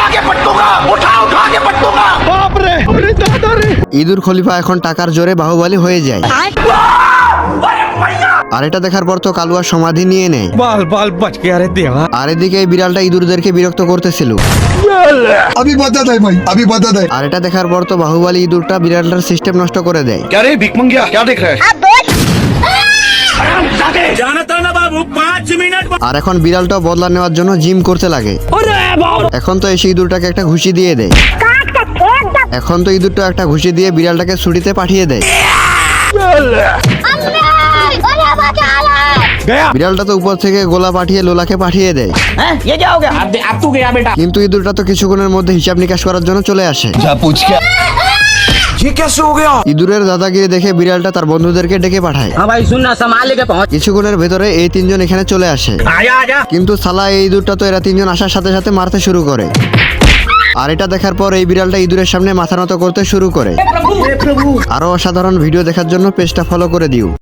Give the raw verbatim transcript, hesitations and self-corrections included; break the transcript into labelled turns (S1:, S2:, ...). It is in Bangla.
S1: ইঁদুর খলিফা এখন টাকার জোরে বাহুবলী হয়ে যায়। আর এটা দেখার পর তো কালুয়ার সমাধি নিয়ে নেয়।
S2: बाल बाल बच गया रे देवा।
S1: আর এদিকে এই বিড়ালটা ইঁদুরদেরকে বিরক্ত করতেছিল।
S3: अभी बता दे भाई, अभी बता दे।
S1: আর এটা দেখার পর তো বাহুবলী ইঁদুরটা বিড়ালটার সিস্টেম নষ্ট করে দেয়।
S4: क्या रे भिख मंगिया, क्या देख रहा है?
S1: আর এখন বিড়ালটাও বদলা নেওয়ার জন্য জিম করতে লাগে। এখন তো এসে ইঁদুরটাকে একটা ঘুষি দিয়ে দেয়। এখন তো ইঁদুরটা একটা ঘুষি দিয়ে বিড়ালটাকে ছুটিতে পাঠিয়ে দেয়। বিড়ালটা তো উপর থেকে গোলা পাঠিয়ে লোলাকে পাঠিয়ে দেয়।
S5: अब तू गया बेटा।
S1: কিন্তু ইঁদুরটা তো কিছুক্ষণের মধ্যে হিসাব নিকাশ করার জন্য চলে আসে।
S3: जा पूछ के।
S2: ये कैसे हो गया?
S1: ইঁদুরের দাদাগিরি দেখে বিড়ালটা তার বন্ধুদেরকে ডেকে পাঠায়।
S5: हाँ भाई सुनना संभाल लेके पहुंच।
S1: কিছুক্ষণের ভেতরে এই তিনজন এখানে চলে আসে।
S5: आजा आजा।
S1: কিন্তু সালা এই ইঁদুরটা তো এরা তিনজন আসার সাথে সাথে মারতে শুরু করে। আর এটা দেখার পর এই বিড়ালটা ইঁদুরের সামনে মাথা নত করতে শুরু করে। আরো অসাধারণ ভিডিও দেখার জন্য পেজটা ফলো করে দিও।